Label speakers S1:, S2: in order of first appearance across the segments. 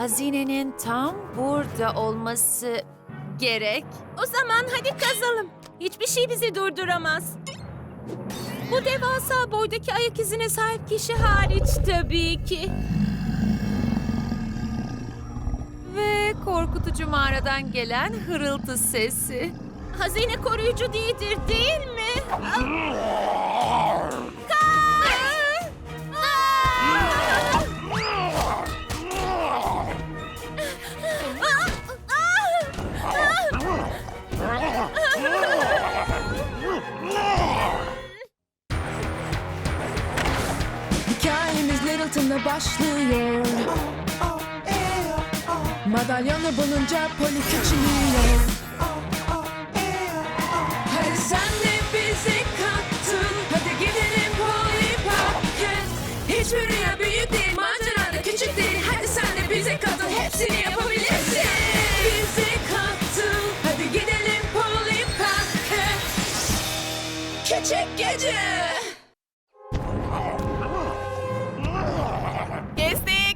S1: Hazinenin tam burada olması gerek.
S2: O zaman hadi kazalım. Hiçbir şey bizi durduramaz. Bu devasa boydaki ayak izine sahip kişi hariç tabii ki.
S1: Ve korkutucu mağaradan gelen hırıltı sesi.
S2: Hazine koruyucu değildir, değil mi?
S3: Hikayemiz Littleton'la başlıyor. Madalyonu bulunca Polly küçülüyor. Hadi sen de bizi kattın. Hadi gidelim Polly Park'a. Hiçbir rüya büyük değil, macera da küçük değil. Hadi sen de bize katıl, hepsini yapabilirsin. Bizi kattın. Hadi gidelim Polly Park'a. Küçük gece.
S2: Kestik.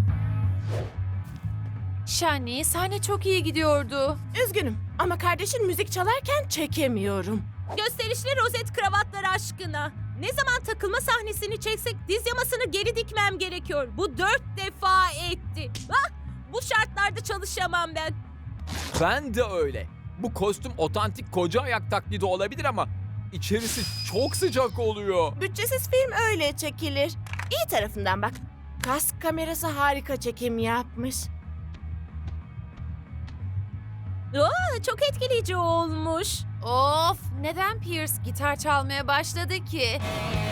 S1: Shani, sahne çok iyi gidiyordu.
S4: Üzgünüm ama kardeşin müzik çalarken çekemiyorum.
S2: Gösterişli rozet kravatlar aşkına. Ne zaman takılma sahnesini çeksek diz yamasını geri dikmem gerekiyor. Bu 4 defa etti. Ah, bu şartlarda çalışamam ben.
S5: Ben de öyle. Bu kostüm otantik koca ayak taklidi olabilir ama içerisi çok sıcak oluyor.
S4: Bütçesiz film öyle çekilir. İyi tarafından bak. Kask kamerası harika çekim yapmış.
S2: Aa, çok etkileyici olmuş.
S1: Of, neden Pierce gitar çalmaya başladı ki?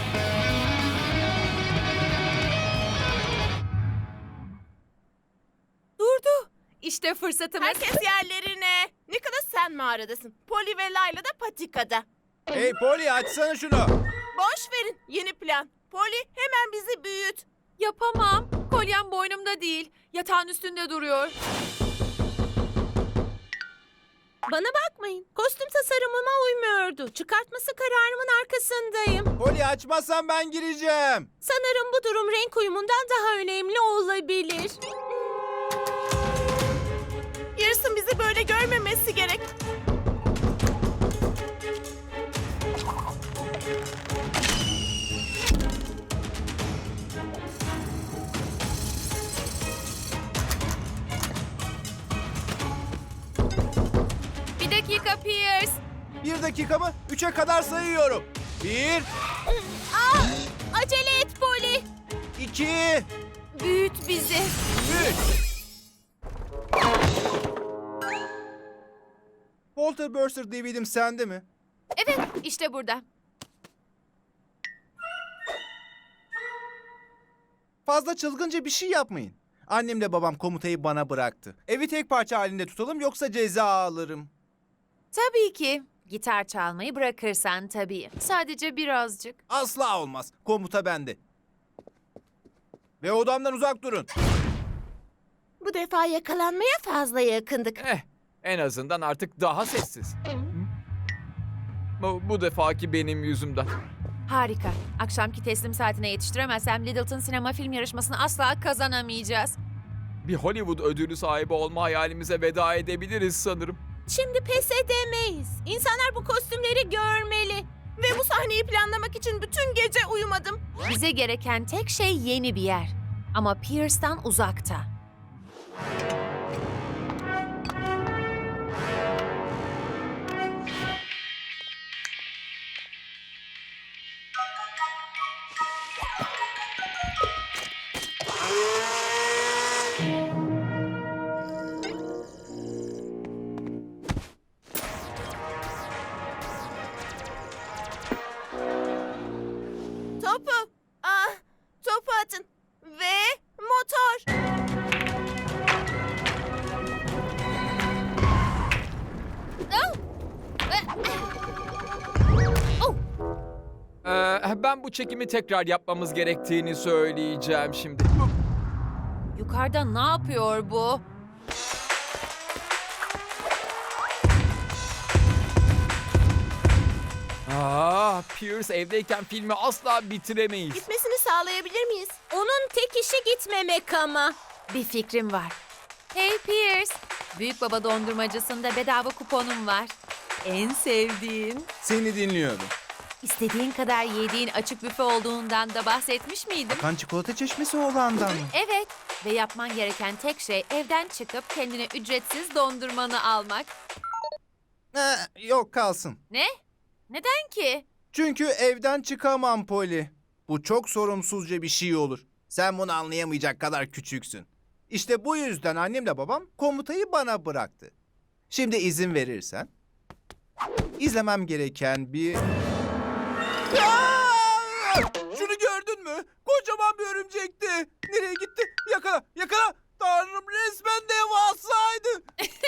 S4: Durdu.
S1: İşte fırsatımız.
S4: Herkes yerlerine. Nicholas sen mağaradasın. Polly ve Layla da patikada.
S6: Hey Polly açsana şunu.
S4: Boş verin. Yeni plan. Polly hemen bizi büyüt.
S1: Yapamam. Kolyem boynumda değil. Yatağın üstünde duruyor.
S2: Bana bakmayın. Kostüm tasarımıma uymuyordu. Çıkartması kararımın arkasındayım.
S6: Polly açmazsan ben gireceğim.
S2: Sanırım bu durum renk uyumundan daha önemli olabilir.
S4: Yarısın bizi böyle görmemesi gerek.
S1: Bir dakika Pierce.
S6: 1 dakika mı? 3'e kadar sayıyorum. 1,
S2: Acele et Polly.
S6: 2,
S1: Büyüt bizi.
S6: 3. Walter Burster DVD'm sende mi?
S1: Evet, işte burada.
S6: Fazla çılgınca bir şey yapmayın. Annemle babam komutayı bana bıraktı. Evi tek parça halinde tutalım yoksa ceza alırım.
S1: Tabii ki. Gitar çalmayı bırakırsan tabii. Sadece birazcık.
S6: Asla olmaz. Komuta bende. Ve odamdan uzak durun.
S4: Bu defa yakalanmaya fazla yakındık.
S5: En azından artık daha sessiz. Bu defaki benim yüzümden.
S1: Harika. Akşamki teslim saatine yetiştiremezsem Littleton sinema film yarışmasını asla kazanamayacağız.
S5: Bir Hollywood ödülü sahibi olma hayalimize veda edebiliriz sanırım.
S2: Şimdi pes edemeyiz. İnsanlar bu kostümleri görmeli.
S4: Ve bu sahneyi planlamak için bütün gece uyumadım.
S1: Bize gereken tek şey yeni bir yer. Ama Pierce'tan uzakta.
S4: Topu atın. Ve motor.
S5: Ben bu çekimi tekrar yapmamız gerektiğini söyleyeceğim şimdi.
S1: Yukarıda ne yapıyor bu?
S5: Pierce evdeyken filmi asla bitiremeyiz.
S4: Gitmesini sağlayabilir miyiz?
S2: Onun tek işi gitmemek ama.
S1: Bir fikrim var. Hey Pierce, Büyük Baba dondurmacısında bedava kuponum var. En sevdiğin.
S6: Seni dinliyorum.
S1: İstediğin kadar yediğin açık büfe olduğundan da bahsetmiş miydim?
S6: Kan çikolata çeşmesi olandan mı?
S1: Evet ve yapman gereken tek şey evden çıkıp kendine ücretsiz dondurmanı almak.
S6: Yok kalsın.
S1: Ne? Neden ki?
S6: Çünkü evden çıkamam Poli. Bu çok sorumsuzca bir şey olur. Sen bunu anlayamayacak kadar küçüksün. İşte bu yüzden annemle babam komutayı bana bıraktı. Şimdi izin verirsen izlemem gereken bir... Aa! Şunu gördün mü? Kocaman bir örümcekti. Nereye gitti? Yakala, yakala. Tanrım, resmen devasaydı.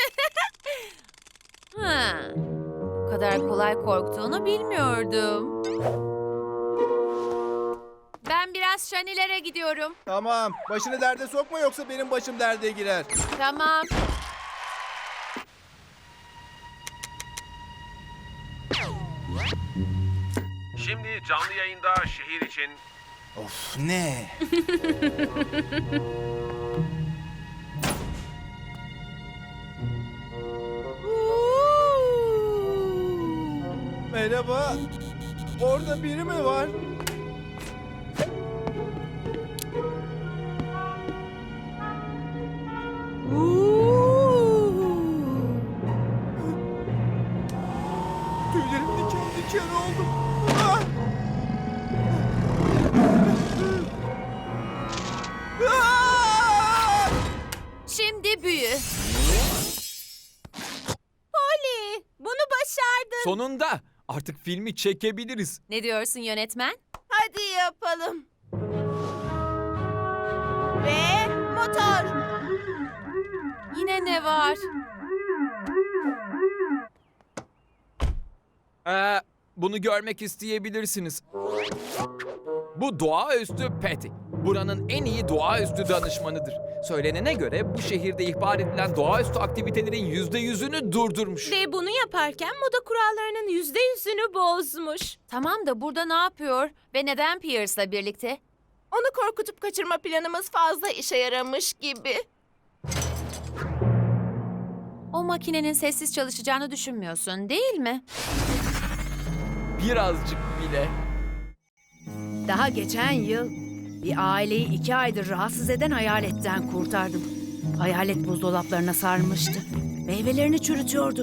S1: Ha. Bu kadar kolay korktuğunu bilmiyordum. Ben biraz şanilere gidiyorum.
S6: Tamam, başını derde sokma yoksa benim başım derde girer.
S1: Tamam.
S7: Şimdi canlı yayında şehir için
S6: Of ne? Merhaba. Orada biri mi var? Tüylerim diken diken oldu. Ah! Ah!
S1: Şimdi büyü.
S2: Polly, bunu başardın.
S5: Sonunda artık filmi çekebiliriz.
S1: Ne diyorsun yönetmen?
S4: Hadi yapalım. Ve motor.
S1: Yine ne var?
S5: Bunu görmek isteyebilirsiniz. Bu doğaüstü Patty. Buranın en iyi doğaüstü danışmanıdır. Söylenene göre bu şehirde ihbar edilen doğaüstü aktivitelerin %100'ünü durdurmuş.
S2: Ve bunu yaparken moda kurallarının %100'ünü bozmuş.
S1: Tamam da burada ne yapıyor ve neden Pierce'la birlikte?
S4: Onu korkutup kaçırma planımız fazla işe yaramış gibi.
S1: O makinenin sessiz çalışacağını düşünmüyorsun, değil mi?
S5: Birazcık bile.
S8: Daha geçen yıl bir aileyi 2 aydır rahatsız eden hayaletten kurtardım. Hayalet buzdolaplarına sarmıştı. Meyvelerini çürütüyordu.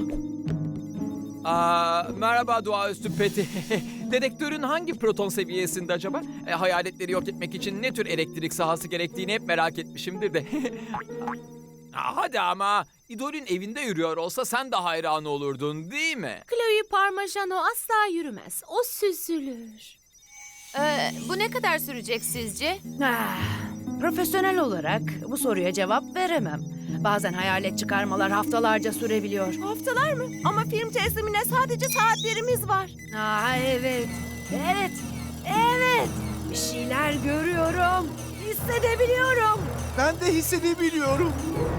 S5: Merhaba doğaüstü Patty. Dedektörün hangi proton seviyesinde acaba? Hayaletleri yok etmek için ne tür elektrik sahası gerektiğini hep merak etmişimdir de. Hadi ama idolün evinde yürüyor olsa sen de hayran olurdun değil mi?
S2: Chloe Parmigiano asla yürümez. O süzülür.
S1: Bu ne kadar sürecek sizce?
S8: Ah, profesyonel olarak bu soruya cevap veremem. Bazen hayalet çıkarmalar haftalarca sürebiliyor.
S4: Haftalar mı? Ama film teslimine sadece saatlerimiz var.
S8: Evet. Evet. Evet. Bir şeyler görüyorum. Hissedebiliyorum.
S6: Ben de hissedebiliyorum.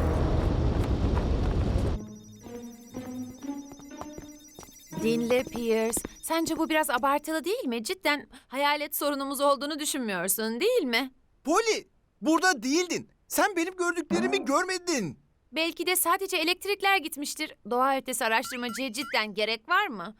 S1: Dinle Pierce. Sence bu biraz abartılı değil mi? Cidden hayalet sorunumuz olduğunu düşünmüyorsun, değil mi?
S6: Poli, burada değildin. Sen benim gördüklerimi görmedin.
S1: Belki de sadece elektrikler gitmiştir. Doğa ötesi araştırmacıya cidden gerek var mı?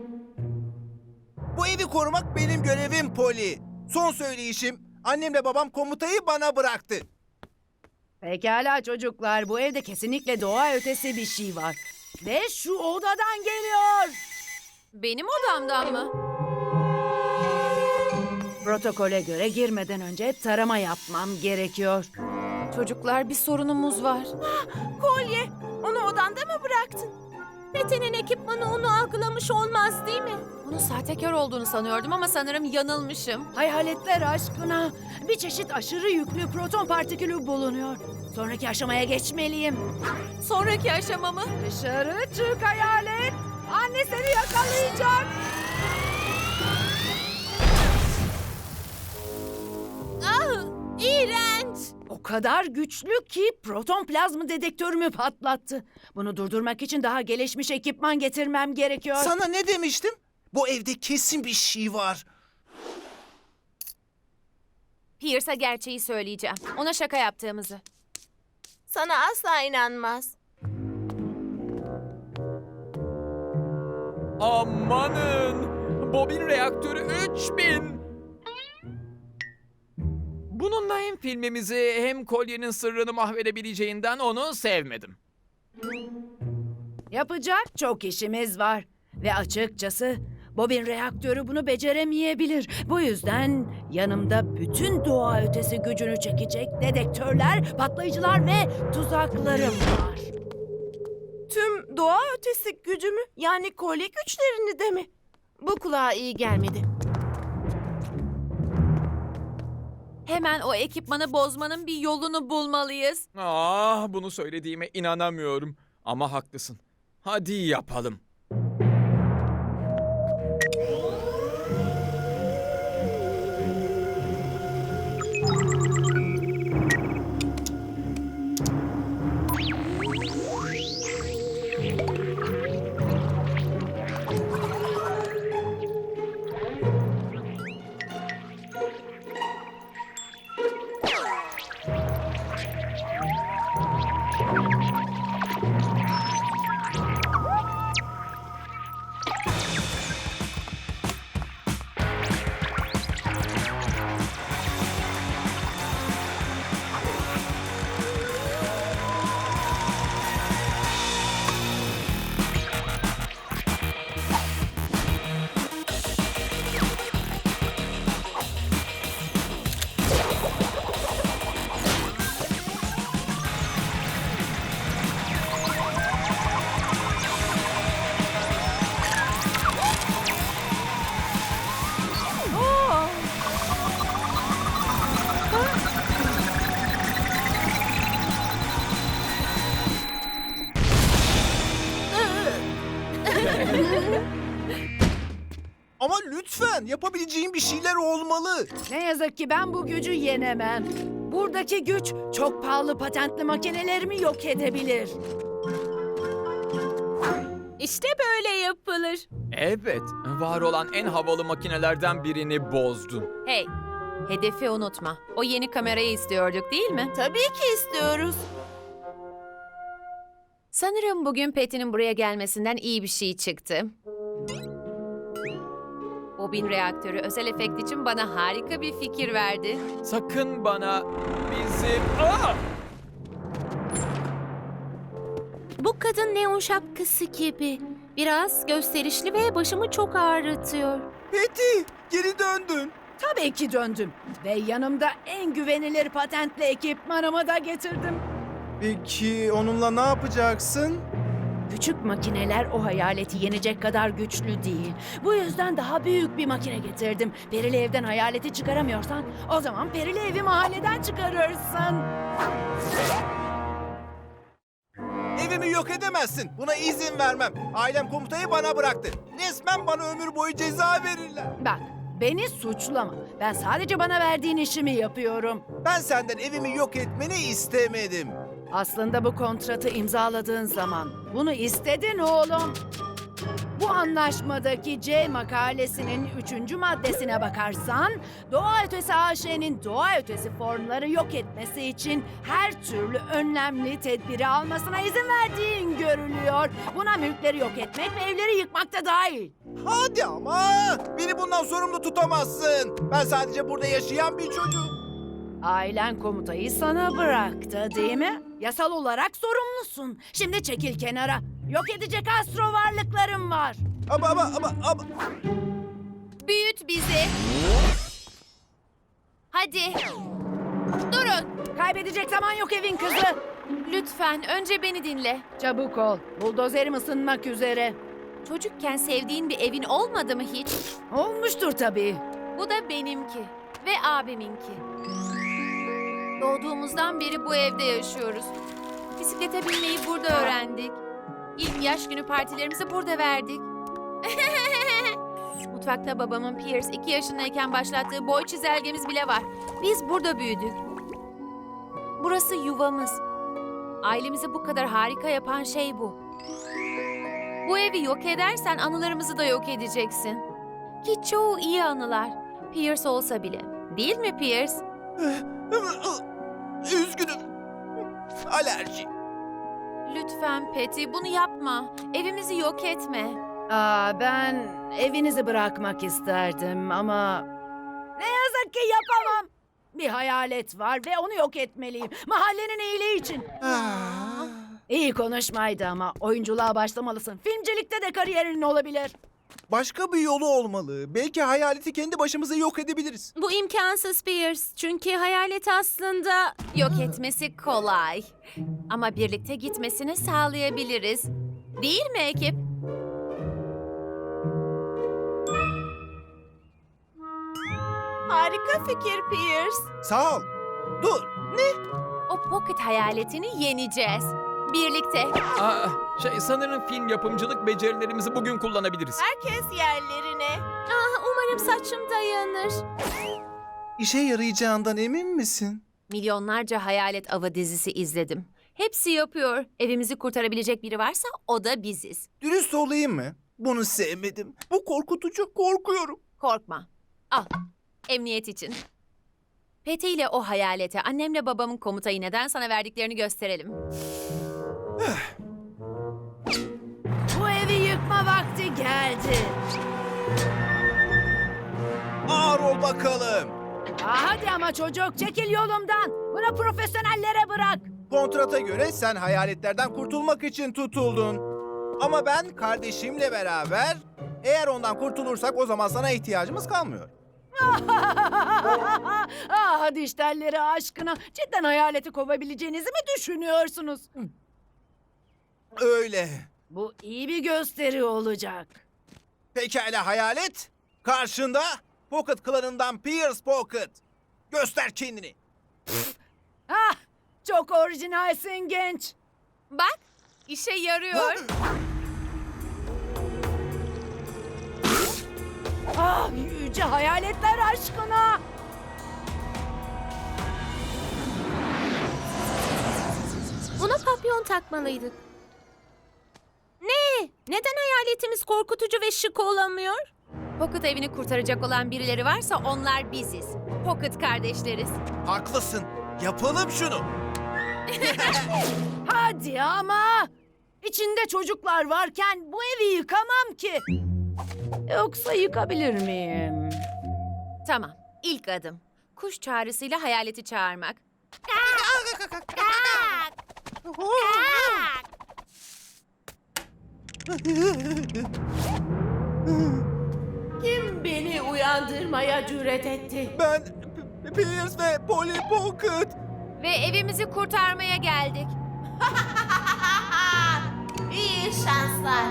S6: Bu evi korumak benim görevim Poli. Son söyleyişim, annemle babam komutayı bana bıraktı.
S8: Pekala çocuklar, bu evde kesinlikle doğa ötesi bir şey var. Ve şu odadan geliyor.
S1: Benim odamdan mı?
S8: Protokole göre girmeden önce tarama yapmam gerekiyor.
S1: Çocuklar bir sorunumuz var.
S2: Kolye, onu odanda mı bıraktın? Pete'nin ekipmanı onu algılamış olmaz değil mi?
S1: Bunun sahtekar olduğunu sanıyordum ama sanırım yanılmışım.
S8: Hayaletler aşkına bir çeşit aşırı yüklü proton partikülü bulunuyor. Sonraki aşamaya geçmeliyim.
S1: Sonraki aşama mı?
S8: Dışarı çık hayalet. Anne seni yakalayacak.
S2: Ah, iğrenç.
S8: O kadar güçlü ki proton plazma dedektörümü patlattı. Bunu durdurmak için daha gelişmiş ekipman getirmem gerekiyor.
S6: Sana ne demiştim? Bu evde kesin bir şey var.
S1: Pierce'a gerçeği söyleyeceğim. Ona şaka yaptığımızı.
S4: Sana asla inanmaz.
S5: Amanın! Bobin reaktörü 3000! Bununla hem filmimizi hem kolyenin sırrını mahvedebileceğinden onu sevmedim.
S8: Yapacak çok işimiz var. Ve açıkçası bobin reaktörü bunu beceremeyebilir. Bu yüzden yanımda bütün doğa ötesi gücünü çekecek dedektörler, patlayıcılar ve tuzaklarım var.
S4: Tüm doğa ötesi gücümü, yani kolye güçlerini de mi? Bu kulağa iyi gelmedi.
S1: Hemen o ekipmanı bozmanın bir yolunu bulmalıyız.
S5: Bunu söylediğime inanamıyorum. Ama haklısın. Hadi yapalım.
S6: Ama lütfen yapabileceğin bir şeyler olmalı.
S8: Ne yazık ki ben bu gücü yenemem. Buradaki güç çok pahalı patentli makinelerimi yok edebilir.
S2: İşte böyle yapılır.
S5: Evet, var olan en havalı makinelerden birini bozdun.
S1: Hey, hedefi unutma. O yeni kamerayı istiyorduk değil mi?
S4: Tabii ki istiyoruz.
S1: Sanırım bugün Patty'nin buraya gelmesinden iyi bir şey çıktı. Bobin reaktörü özel efekt için bana harika bir fikir verdi.
S5: Sakın bana bizim...
S2: Bu kadın neon şapkası gibi. Biraz gösterişli ve başımı çok ağrıtıyor.
S6: Betty, geri döndün.
S8: Tabii ki döndüm. Ve yanımda en güvenilir patentli ekipmanımı da getirdim.
S6: Peki onunla ne yapacaksın?
S8: Küçük makineler o hayaleti yenecek kadar güçlü değil. Bu yüzden daha büyük bir makine getirdim. Perili evden hayaleti çıkaramıyorsan o zaman perili evi mahalleden çıkarırsın.
S6: Evimi yok edemezsin. Buna izin vermem. Ailem komutayı bana bıraktı. Resmen bana ömür boyu ceza verirler.
S8: Bak, beni suçlama. Ben sadece bana verdiğin işimi yapıyorum.
S6: Ben senden evimi yok etmeni istemedim.
S8: Aslında bu kontratı imzaladığın zaman bunu istedin oğlum. Bu anlaşmadaki C makalesinin 3. maddesine bakarsan, doğa ötesi AŞ'nin doğa ötesi formları yok etmesi için her türlü önlemli tedbiri almasına izin verdiğin görülüyor. Buna mülkleri yok etmek ve evleri yıkmak da dahil.
S6: Hadi ama! Beni bundan sorumlu tutamazsın. Ben sadece burada yaşayan bir çocuğum.
S8: Ailen komutayı sana bıraktı değil mi? Yasal olarak sorumlusun. Şimdi çekil kenara. Yok edecek astro varlıklarım var.
S6: Ama...
S1: Büyüt bizi. Hadi. Durun.
S8: Kaybedecek zaman yok evin kızı.
S1: Lütfen önce beni dinle.
S8: Çabuk ol. Buldozerim ısınmak üzere.
S1: Çocukken sevdiğin bir evin olmadı mı hiç?
S8: Olmuştur tabii.
S1: Bu da benimki ve abiminki. Doğduğumuzdan beri bu evde yaşıyoruz. Bisiklete binmeyi burada öğrendik. İlk yaş günü partilerimizi burada verdik. Mutfakta babamın Pierce 2 yaşındayken başlattığı boy çizelgemiz bile var. Biz burada büyüdük. Burası yuvamız. Ailemizi bu kadar harika yapan şey bu. Bu evi yok edersen anılarımızı da yok edeceksin. Ki çoğu iyi anılar. Pierce olsa bile. Değil mi Pierce?
S6: Üzgünüm. Alerji.
S1: Lütfen Patty bunu yapma. Evimizi yok etme.
S8: Ben evinizi bırakmak isterdim ama ne yazık ki yapamam. Bir hayalet var ve onu yok etmeliyim. Mahallenin iyiliği için. İyi konuşmaydı ama oyunculuğa başlamalısın. Filmcilikte de kariyerin olabilir.
S6: Başka bir yolu olmalı. Belki hayaleti kendi başımıza yok edebiliriz.
S2: Bu imkansız Pierce. Çünkü hayalet aslında...
S1: Yok etmesi kolay. Ama birlikte gitmesini sağlayabiliriz. Değil mi ekip?
S4: Harika fikir Pierce.
S6: Sağ ol. Dur.
S1: O pocket hayaletini yeneceğiz. Birlikte.
S5: Sanırım film yapımcılık becerilerimizi bugün kullanabiliriz.
S4: Herkes yerlerine.
S2: Umarım saçım dayanır.
S6: İşe yarayacağından emin misin?
S1: Milyonlarca hayalet avı dizisi izledim. Hepsi yapıyor. Evimizi kurtarabilecek biri varsa o da biziz.
S6: Dürüst olayım mı? Bunu sevmedim. Bu korkutucu. Korkuyorum.
S1: Korkma. Al. Emniyet için. Pete ile o hayalete annemle babamın komutayı neden sana verdiklerini gösterelim.
S8: Bu evi yıkma vakti geldi.
S6: Ağır ol bakalım.
S8: Hadi ama çocuk çekil yolumdan. Bunu profesyonellere bırak.
S6: Kontrata göre sen hayaletlerden kurtulmak için tutuldun. Ama ben kardeşimle beraber eğer ondan kurtulursak o zaman sana ihtiyacımız kalmıyor.
S8: Hadi işlerleri aşkına. Cidden hayaleti kovabileceğinizi mi düşünüyorsunuz?
S6: Öyle.
S8: Bu iyi bir gösteri olacak.
S6: Pekala hayalet. Karşında Pocket klanından Pierce Pocket. Göster kendini.
S8: Çok orijinalsin genç.
S1: Bak, işe yarıyor.
S8: Yüce hayaletler aşkına.
S2: Buna papyon takmalıydık. Ne? Neden hayaletimiz korkutucu ve şık olamıyor?
S1: Pocket evini kurtaracak olan birileri varsa onlar biziz. Pocket kardeşleriz.
S6: Haklısın. Yapalım şunu.
S8: Hadi ama. İçinde çocuklar varken bu evi yıkamam ki. Yoksa yıkabilir miyim?
S1: Tamam, ilk adım. Kuş çağrısıyla hayaleti çağırmak.
S4: Kim beni uyandırmaya cüret etti?
S6: Ben Pierce ve Polly Pocket.
S1: Ve evimizi kurtarmaya geldik.
S4: İyi şanslar.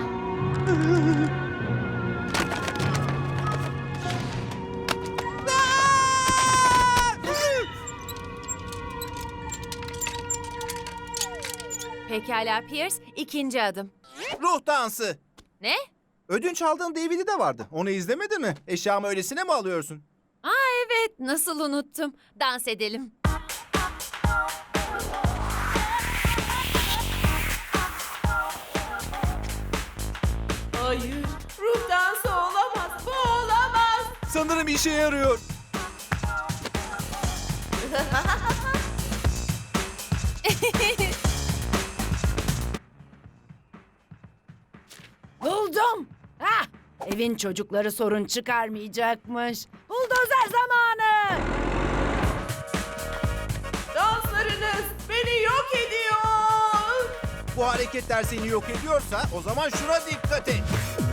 S1: Pekala Pierce, ikinci adım.
S6: Ruh dansı.
S1: Ne?
S6: Ödünç aldığın DVD de vardı. Onu izlemedin mi? Eşyamı öylesine mi alıyorsun?
S1: Evet, nasıl unuttum. Dans edelim.
S4: Hayır, ruh dansı olamaz. Bu olamaz.
S6: Sanırım işe yarıyor.
S8: Buldum. Evin çocukları sorun çıkarmayacakmış. Buldozer zamanı.
S4: Danslarınız beni yok ediyor.
S6: Bu hareketler seni yok ediyorsa o zaman şuna dikkat et.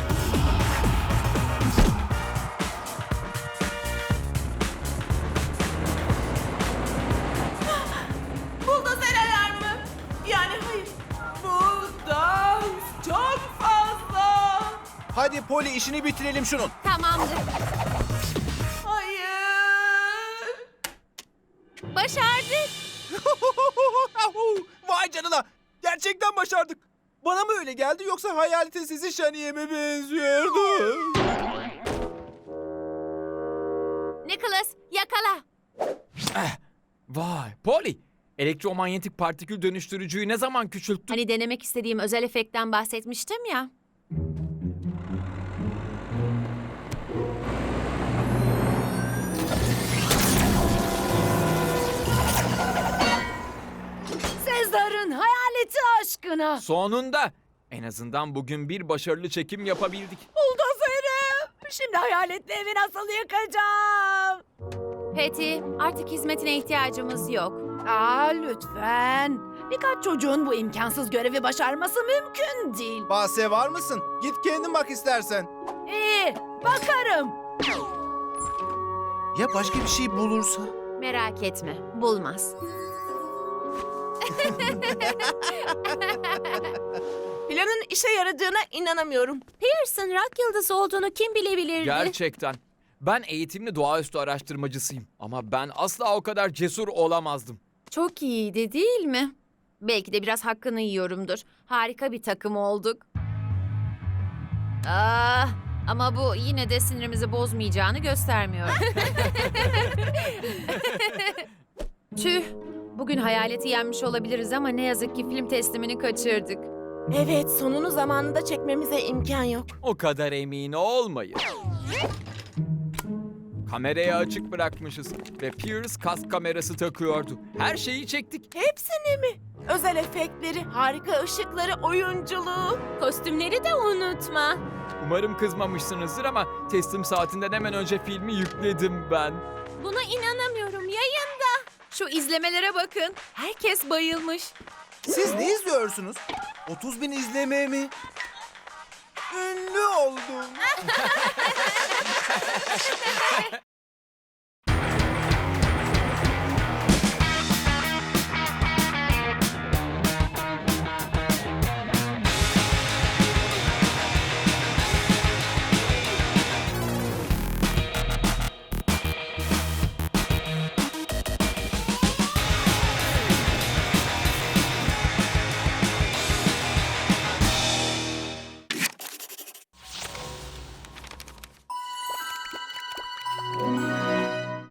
S4: Buldozer alarmı. Yani hayır. Bu dans çok fazla.
S6: Hadi Polly işini bitirelim şunun.
S1: Tamamdır.
S4: Hayır.
S1: Başardık.
S6: Vay canına. Gerçekten başardık. Bana mı öyle geldi yoksa hayaletin sizi Şaniye mi benziyordu?
S1: Nicholas, yakala.
S5: Vay, Polly. Elektromanyetik partikül dönüştürücüyü ne zaman küçülttün?
S1: Hani denemek istediğim özel efektten bahsetmiştim ya.
S8: Siz de aşkına.
S5: Sonunda. En azından bugün bir başarılı çekim yapabildik.
S8: Buldozerim. Şimdi hayaletli evi nasıl yıkacağım?
S1: Patty, artık hizmetine ihtiyacımız yok.
S8: Lütfen. Birkaç çocuğun bu imkansız görevi başarması mümkün değil.
S6: Bahse var mısın? Git kendin bak istersen.
S8: İyi, bakarım.
S6: Ya başka bir şey bulursa?
S1: Merak etme, bulmaz.
S4: Planın işe yaradığına inanamıyorum.
S2: Pearson rock yıldızı olduğunu kim bilebilirdi?
S5: Gerçekten. Ben eğitimli doğaüstü araştırmacısıyım. Ama ben asla o kadar cesur olamazdım.
S1: Çok iyiydi değil mi? Belki de biraz hakkını yiyorumdur. Harika bir takım olduk. Ama bu yine de sinirimizi bozmayacağını göstermiyor. Tüh, bugün hayaleti yenmiş olabiliriz ama ne yazık ki film teslimini kaçırdık.
S4: Evet, sonunu zamanında çekmemize imkan yok.
S5: O kadar emin olmayın. Kamerayı açık bırakmışız ve Pierce kask kamerası takıyordu. Her şeyi çektik.
S4: Hepsini mi? Özel efektleri, harika ışıkları, oyunculuğu.
S2: Kostümleri de unutma.
S5: Umarım kızmamışsınızdır ama teslim saatinden hemen önce filmi yükledim ben.
S2: Buna inanamıyorum. Yayında.
S1: Şu izlemelere bakın. Herkes bayılmış.
S6: Siz ne izliyorsunuz? 30.000 izleme mi? Ünlü oldum.